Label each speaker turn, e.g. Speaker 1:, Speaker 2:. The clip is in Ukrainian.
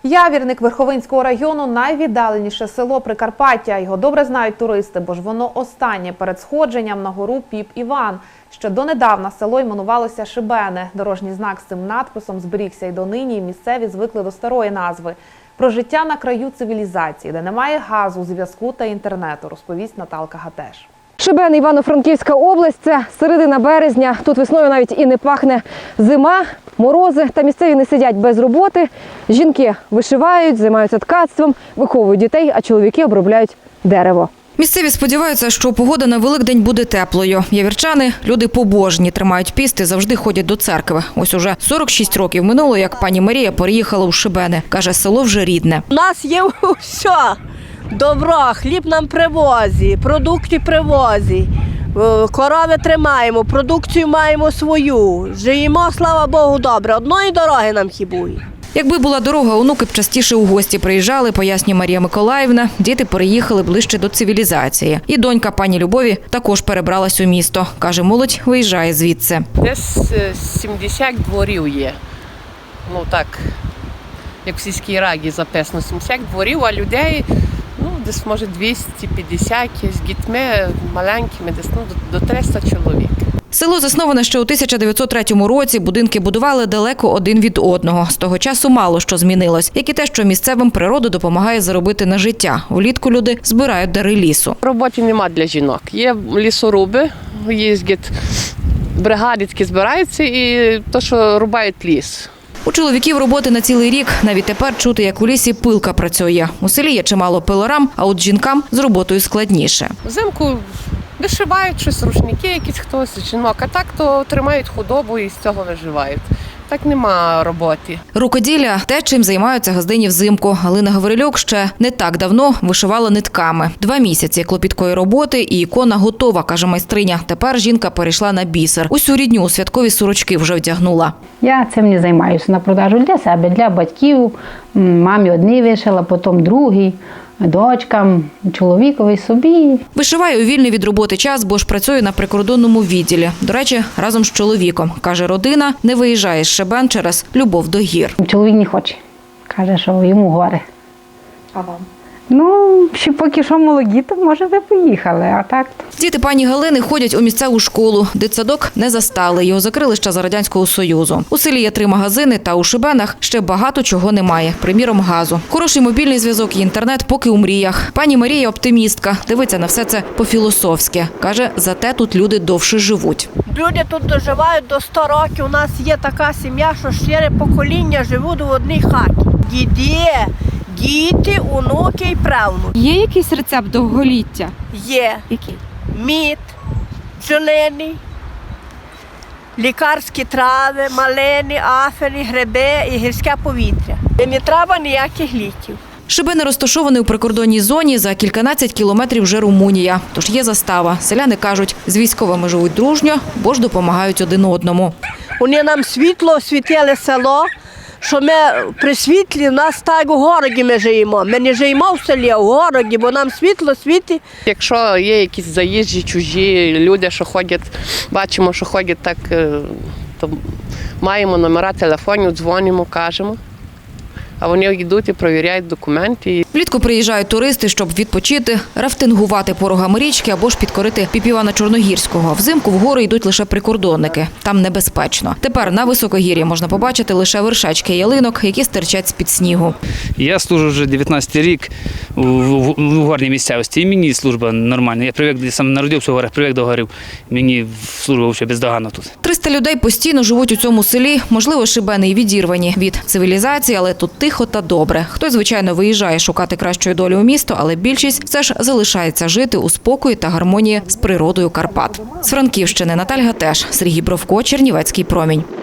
Speaker 1: Явірник Верховинського району – найвіддаленіше село Прикарпаття. Його добре знають туристи, бо ж воно останнє перед сходженням на гору Піп-Іван. Ще донедавна село іменувалося Шибене. Дорожній знак з цим надписом зберігся й донині, і місцеві звикли до старої назви. Про життя на краю цивілізації, де немає газу, зв'язку та інтернету, розповість Наталка Гатеш.
Speaker 2: Шибен, Івано-Франківська область – це середина березня. Тут весною навіть і не пахне зима, морози, та місцеві не сидять без роботи. Жінки вишивають, займаються ткацтвом, виховують дітей, а чоловіки обробляють дерево.
Speaker 3: Місцеві сподіваються, що погода на Великдень буде теплою. Явірчани – люди побожні, тримають піст і завжди ходять до церкви. Ось уже 46 років минуло, як пані Марія переїхала у Шибене. Каже, село вже рідне.
Speaker 4: У нас є все. Добро, хліб нам привозять, продукти привозять, корови тримаємо, продукцію маємо свою. Живемо, слава Богу, добре. Одної дороги нам хібує.
Speaker 3: Якби була дорога, онуки б частіше у гості приїжджали, пояснює Марія Миколаївна. Діти переїхали ближче до цивілізації. І донька пані Любові також перебралась у місто. Каже, молодь виїжджає звідси.
Speaker 5: Десь 70 дворів є. Ну так, як в сільській раді записано, 70 дворів, а людей десь може 250 з дітьми маленькими, десь до 300 чоловік.
Speaker 3: Село засноване ще у 1903 році, будинки будували далеко один від одного. З того часу мало що змінилось, як і те, що місцевим природа допомагає заробити на життя. Влітку люди збирають дари лісу.
Speaker 5: Роботи нема для жінок. Є лісоруби, їздять бригади, які збираються і то, що рубають ліс.
Speaker 3: У чоловіків роботи на цілий рік. Навіть тепер чути, як у лісі пилка працює. У селі є чимало пилорам, а от жінкам з роботою складніше.
Speaker 5: Взимку вишивають щось, рушники якісь хтось, жінок, а так то тримають худобу і з цього виживають. Так нема роботи.
Speaker 3: Рукоділля – те, чим займаються газдині взимку. Галина Гаврилюк ще не так давно вишивала нитками. 2 місяці клопіткої роботи і ікона готова, каже майстриня. Тепер жінка перейшла на бісер. Усю рідню у святкові сорочки вже вдягнула.
Speaker 6: Я цим не займаюся на продажу для себе, для батьків. Мамі одні вишила, потім другий. Дочкам, чоловікові, собі.
Speaker 3: Вишиває у вільний від роботи час, бо ж працює на прикордонному відділі. До речі, разом з чоловіком. Каже, родина не виїжджає з Шибен через любов до гір.
Speaker 6: Чоловік не хоче. Каже, що йому гори.
Speaker 1: А вам?
Speaker 6: Ну, ще поки що молоді, то може ви поїхали, а так.
Speaker 3: Діти пані Галини ходять у місцеву школу. Дитсадок не застали, його закрили ще за Радянського Союзу. У селі є 3 магазини, та у Шибенах ще багато чого немає. Приміром, газу. Хороший мобільний зв'язок і інтернет поки у мріях. Пані Марія – оптимістка. Дивиться на все це по-філософськи. Каже, зате тут люди довше живуть.
Speaker 4: Люди тут доживають до 100 років. У нас є така сім'я, що 4 покоління живуть в одній хаті. Діти, онуки і правнуки.
Speaker 2: Є якийсь рецепт довголіття?
Speaker 4: Є.
Speaker 2: Який?
Speaker 4: Мід, бджолиний, лікарські трави, малини, афені, гриби і гірське повітря. І не треба ніяких ліків.
Speaker 3: Шибени розташований у прикордонній зоні, за кільканадцять кілометрів вже Румунія. Тож є застава. Селяни кажуть, з військовими живуть дружньо, бо ж допомагають один одному.
Speaker 4: Вони нам світло освітили село, що ми при світлі, в нас так у городі ми живемо. Ми не живемо в селі, а в городі, бо нам світло світить.
Speaker 5: Якщо є якісь заїжджі, чужі люди, що ходять, бачимо, що ходять так, то маємо номера телефонів, дзвонимо, кажемо. А вони йдуть і перевіряють документи.
Speaker 3: Влітку приїжджають туристи, щоб відпочити, рафтингувати порогами річки або ж підкорити Піп-Івана Чорногірського. Взимку вгору йдуть лише прикордонники. Там небезпечно. Тепер на високогір'ї можна побачити лише вершечки ялинок, які стирчать з-під снігу.
Speaker 7: Я служу вже 19-й рік у горній місцевості. І мені служба нормальна. Я привик, я сам народився в горах, привик до горів. Мені служба взагалі бездоганна тут. 300
Speaker 3: людей постійно живуть у цьому селі. Можливо, Шибени й відірвані від цивілізації, але тут тихо та добре. Хтось, звичайно, виїжджає шукати кращої долі у місто, але більшість все ж залишається жити у спокої та гармонії з природою Карпат. З Франківщини Наталка Гатеш, Сергій Бровко, Чернівецький промінь.